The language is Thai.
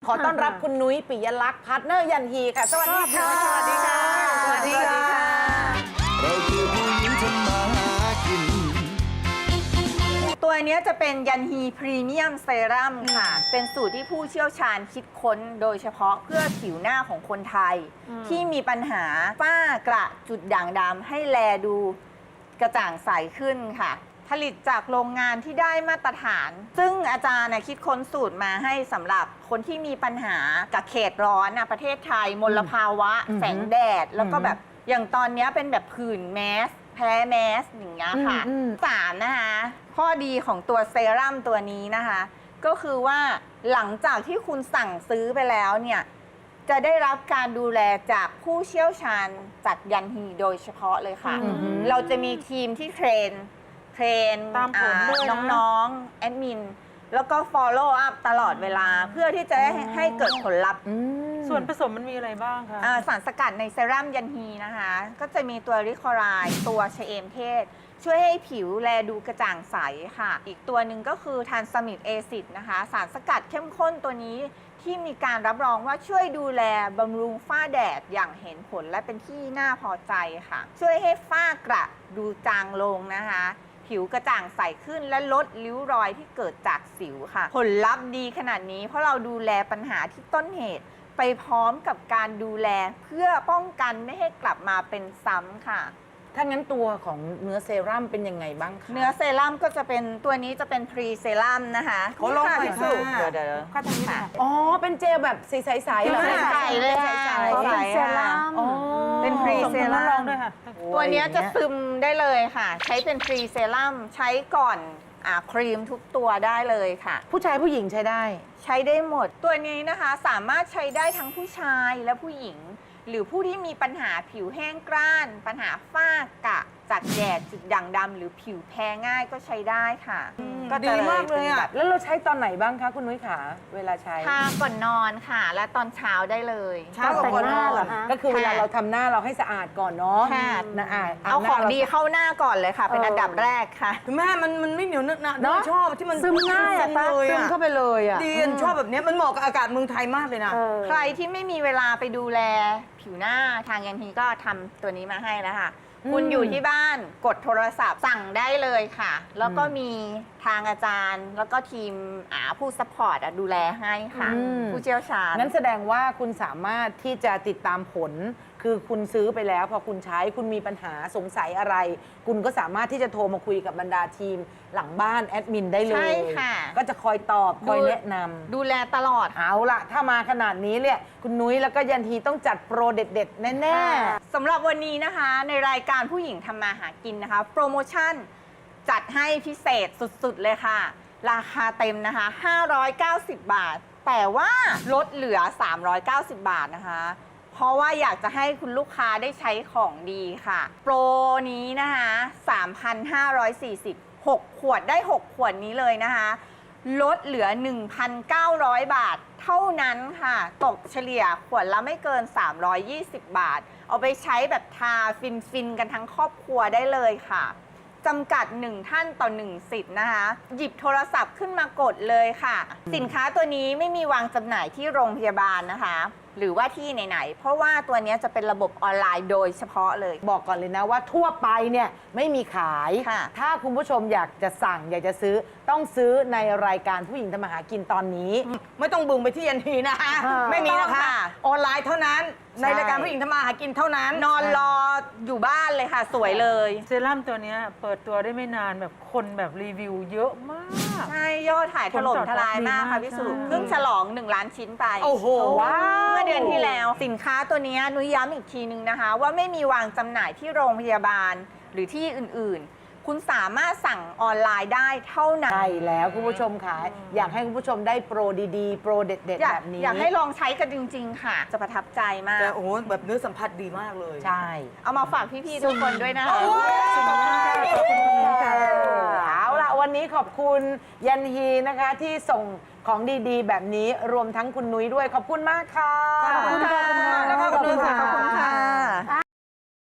ขอต้อนรับคุณนุ้ยปิยลักษณ์พาร์ทเนอร์ยันฮีค่ะสวัสดีค่ะสวัสดีค่ะสวัสดีค่ะเราคือผู้หญิงทำมาหากินตัวนี้จะเป็นยันฮีพรีเมียมเซรั่มค่ะเป็นสูตรที่ผู้เชี่ยวชาญคิดค้นโดยเฉพาะเพื่อผิวหน้าของคนไทย ที่มีปัญหาฝ้ากระจุดด่างดำให้แลดูกระจ่างใสขึ้นค่ะ ผลิตจากโรงงานที่ได้มาตรฐาน ซึ่งอาจารย์คิดค้นสูตรมาให้สำหรับคนที่มีปัญหากับเขตร้อนประเทศไทยมลภาวะแสงแดดแล้วก็แบบอย่างตอนนี้เป็นแบบผื่นแมสแพ้แมสอย่างเงี้ยค่ะสารนะคะข้อดีของตัวเซรั่มตัวนี้นะคะก็คือว่าหลังจากที่คุณสั่งซื้อไปแล้วเนี่ยจะได้รับการดูแลจากผู้เชี่ยวชาญจากยันฮีโดยเฉพาะเลยค่ะเราจะมีทีมที่เทรนตามผลด้วยนะน้องๆแอดมินแล้วก็ follow up ตลอดเวลาเพื่อที่จะให้เกิดผลลัพธ์ส่วนผสมมันมีอะไรบ้างคะสารสกัดในเซรั่มยันฮีนะคะก็จะมีตัวริคอไรด์ตัวชะเอมเทศ ช่วยให้ผิวแลดูกระจ่างใสค่ะอีกตัวหนึ่งก็คือทานซามิกเอซิดนะคะสารสกัดเข้มข้นตัวนี้ที่มีการรับรองว่าช่วยดูแลบำรุงฝ้าแดดอย่างเห็นผลและเป็นที่น่าพอใจค่ะช่วยให้ฝ้ากระดูจางลงนะคะผิวกระจ่างใสขึ้นและลดริ้วรอยที่เกิดจากสิวค่ะผลลัพธ์ดีขนาดนี้เพราะเราดูแลปัญหาที่ต้นเหตุไปพร้อมกับการดูแลเพื่อป้องกันไม่ให้กลับมาเป็นซ้ำค่ะถ้างั้นตัวของเนื้อเซรั่มเป็นยังไงบ้างคะเนื้อเซรั่มก็จะเป็นตัวนี้จะเป็นพรีเซรั่มนะคะเขาลงไปค่ะเดี๋ยวข้าทางนี้ค่ะอ๋อเป็นเจลแบบใสๆเหรอใสเลยค่ะใสเซรั่มเป็นพรีเซรั่มด้วยค่ะตัวนี้จะซึมได้เลยค่ะใช้เป็นพรีเซรั่มใช้ก่อนครีมทุกตัวได้เลยค่ะผู้ชายผู้หญิงใช้ได้ใช้ได้หมดตัวนี้นะคะสามารถใช้ได้ทั้งผู้ชายและผู้หญิงหรือผู้ที่มีปัญหาผิวแห้งกร้านปัญหาฝ้ากระจากแดดจุดด่างดำหรือผิวแพ้ง่ายก็ใช้ได้ค่ะก็ดีมากเลยอ่ะแล้วเราใช้ตอนไหนบ้างคะคุณนุ้ยขาเวลาใช้ทาก่อนนอนค่ะและตอนเช้าได้เลยเช้าก่อนนอนก็คือเวลาเราทำหน้าเราให้สะอาดก่อนเนาะเอาของดีเข้าหน้าก่อนเลยค่ะเป็นอันดับแรกค่ะแม่มันไม่เหนียวนึกนะชอบที่มันซึมง่ายซึมเข้าไปเลยอ่ะดีชอบแบบนี้มันเหมาะกับอากาศเมืองไทยมากเลยนะใครที่ไม่มีเวลาไปดูแลผิวหน้าทางยันฮีก็ทำตัวนี้มาให้แล้วค่ะคุณอยู่ที่บ้านกดโทรศัพท์สั่งได้เลยค่ะแล้วก็มีทางอาจารย์แล้วก็ทีมผู้ซัพพอร์ตดูแลให้ค่ะผู้เชี่ยวชาญงั้นแสดงว่าคุณสามารถที่จะติดตามผลคือคุณซื้อไปแล้วพอคุณใช้คุณมีปัญหาสงสัยอะไรคุณก็สามารถที่จะโทรมาคุยกับบรรดาทีมหลังบ้านแอดมินได้เลยใช่ค่ะก็จะคอยตอบคอยแนะนำดูแลตลอดเอาล่ะถ้ามาขนาดนี้เนี่ยคุณนุ้ยแล้วก็ยันทีต้องจัดโปรเด็ดๆแน่ๆสำหรับวันนี้นะคะในรายการผู้หญิงทำมาหากินนะคะโปรโมชั่นจัดให้พิเศษสุดๆเลยค่ะราคาเต็มนะคะ590 บาทแต่ว่าลดเหลือ390 บาทนะคะเพราะว่าอยากจะให้คุณลูกค้าได้ใช้ของดีค่ะโปรนี้นะคะ 3,540 6 ขวดได้ 6 ขวดนี้เลยนะคะลดเหลือ 1,900 บาทเท่านั้นค่ะตกเฉลี่ยขวดละไม่เกิน320 บาทเอาไปใช้แบบทาฟินๆกันทั้งครอบครัวได้เลยค่ะจำกัด1ท่านต่อ1สิทธิ์นะคะหยิบโทรศัพท์ขึ้นมากดเลยค่ะสินค้าตัวนี้ไม่มีวางจำหน่ายที่โรงพยาบาลนะคะหรือว่าที่ไหนๆเพราะว่าตัวนี้จะเป็นระบบออนไลน์โดยเฉพาะเลยบอกก่อนเลยนะว่าทั่วไปเนี่ยไม่มีขายถ้าคุณผู้ชมอยากจะสั่งอยากจะซื้อต้องซื้อในรายการผู้หญิงทำมาหากินตอนนี้ไม่ต้องบึงไปที่ยันทีนะคะไม่มีนะคะออนไลน์เท่านั้นในรายการผู้หญิงทำมาหากินเท่านั้นนอนรออยู่บ้านเลยค่ะสวยเลยเซรั่มตัวนี้เปิดตัวได้ไม่นานแบบคนแบบรีวิวเยอะมากใช่ยอดถ่ายถล่มทลายมากค่ะพี่สุเพิ่งฉลอง1 ล้านชิ้นไปโอ้โหว้าวเมื่อเดือนที่แล้วสินค้าตัวนี้นุ้ยย้ำอีกทีนึงนะคะว่าไม่มีวางจำหน่ายที่โรงพยาบาลหรือที่อื่นๆคุณสามารถสั่งออนไลน์ได้เท่านั้นใช่แล้วคุณผู้ชมค่ะอยากให้คุณผู้ชมได้โปรดีๆโปรเด็ดๆแบบนี้อยากให้ลองใช้กันจริงๆค่ะจะประทับใจมากแต่โอ้แบบเนื้อสัมผัสดีมากเลยใช่เอามาฝากพี่ๆทุกคนด้วยนะคะเอาล่ะวันนี้ขอบคุณยันฮีนะคะที่ส่งของดีๆแบบนี้รวมทั้งคุณนุ้ยด้วยขอบคุณมากค่ะขอบคุณค่ะขอบคุณค่ะ